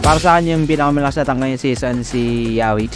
Para sa akin yung pinakamalakas na tangka yung season si Yawi.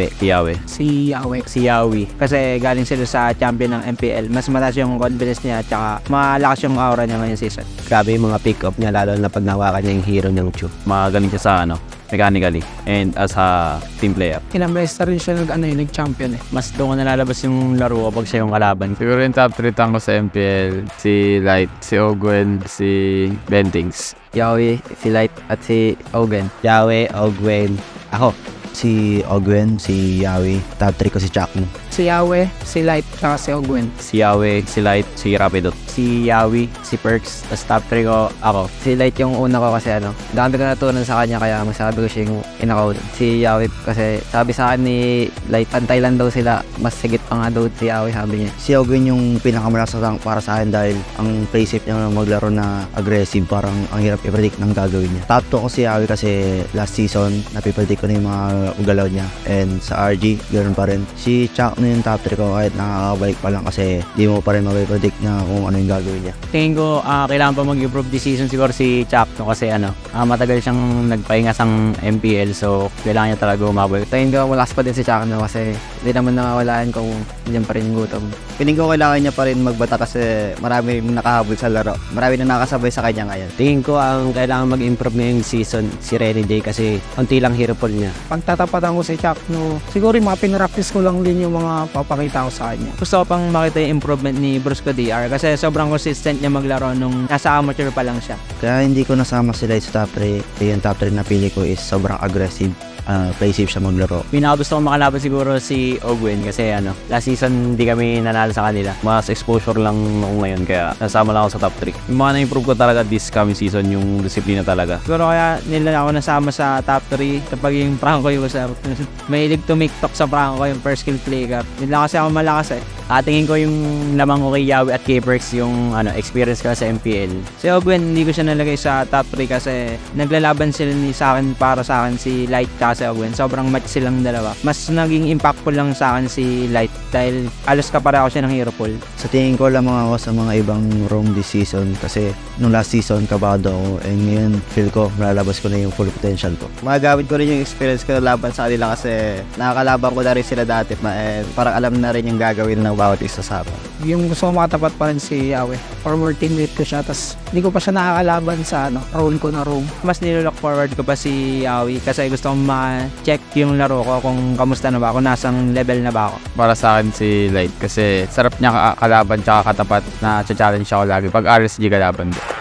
Si Yawi. Kasi galing sila sa champion ng MPL. Mas mataas yung confidence niya at saka malakas yung aura niya ngayong season. Grabe yung mga pick-up niya, lalo na pag nawakan niya yung hero ng Chu. Magaling siya sa mechanically and as a team player. Ilang beses na rin siya nag-champion eh. Mas doon ko nalalabas yung laro kapag siya yung kalaban. Siguro yung top 3 tango sa MPL, si Light, si Ogwen, si Bentings. Yawi, si Light at si Ogen. Yawe, Ogwen, ako. Si Ogwen, si Yawi, top 3 ko si Chakmo. Si Yahweh, si Light, saka si Ogwen. Si Yawe, si Light, si Rapidot. Si Yawi, si Perks, tapos top 3 ko ako. Si Light yung una ko kasi dami ko natutunan sa kanya kaya masabi ko siya yung inakaw. Si Yawi kasi sabi sa akin ni Light, pantay lang daw sila, mas sigit pa nga daw si Yawi sabi niya. Si Ogwen yung pinakamalakas na tank para sa akin dahil ang play safe niya maglaro na aggressive, parang ang hirap i-predict ng gagawin niya. Top 2 ko si Yawi kasi last season, napipredict ko na yung mga ugalaw niya. And sa RG, ganoon pa rin. Si Chuck na yung top 3 ko kahit nakakabalik pa lang kasi di mo pa rin mapipredict na kung ano yung gagawin niya. Tingin ko kailangan pa mag-improve this season siguro si Chap no kasi matagal siyang nagpahinga sa MPL so kailangan niya talaga umabot. Tingin ko malakas pa din si Chap no kasi hindi naman nawawalaan kung diyan pa rin yung gutom. Piling ko kailangan niya pa rin magbata kasi marami nakahabol sa laro. Marami na nakasabay sa kanya ngayon. Tingin ko ang kailangan mag-improve ngayong season si Renny J kasi konti lang hero pool niya. Pagtatapatan ko si Chuck, no, siguro yung mga pinractice ko lang din yung mga papakita ko sa kanya. Gusto ko pang makita yung improvement ni Brusco DR kasi sobrang consistent niya maglaro nung nasa amateur pa lang siya. Kaya hindi ko nasama sila sa top 3. Yung top 3 na pili ko is sobrang aggressive. Play safe siya maglaro. Pinakagusto ko makalaban siguro si Ogwen kasi last season hindi kami nanalo sa kanila. Mas exposure lang ako ngayon kaya nasama lang ako sa top 3. Yung mga na-improve ko talaga this coming season yung disiplina talaga. Siguro kaya nila ako nasama sa top 3 kapag yung Franco yung usap. Mahilig tumiktok sa Franco yung first skill play ka. Hindi lang kasi ako malakas eh. Tingin ko yung lamang ko kay Yawi at kay Perks yung experience ko sa MPL. Si Ogwen hindi ko siya nalagay sa top 3 kasi naglalaban sila sa akin para sa akin si Light at si Ogwen. Sobrang match silang dalawa. Mas naging impactful lang sa akin si Light dahil alos kapareho siya ng hero pool. Sa tingin ko lamang ako sa mga ibang roam this season kasi nung last season kabado ako and ngayon feel ko malalabas ko na yung full potential ko. Magagamit ko rin yung experience ko laban sa kanila kasi nakakalaban ko na rin sila dati and parang alam na rin yung gagawin ng bawat isa sa akin. Yung gusto ko makatapat pa rin si Yahweh. Former teammate ko siya, tas hindi ko pa siya nakakalaban sa role ko na roam. Mas nilook forward ko pa si Yawi kasi gusto kong ma-check yung laro ko kung kamusta na ba ako, nasang level na ba ako. Para sa akin si Light kasi sarap niya kalaban tsaka katapat na challenge ako lagi pag RSG kalaban.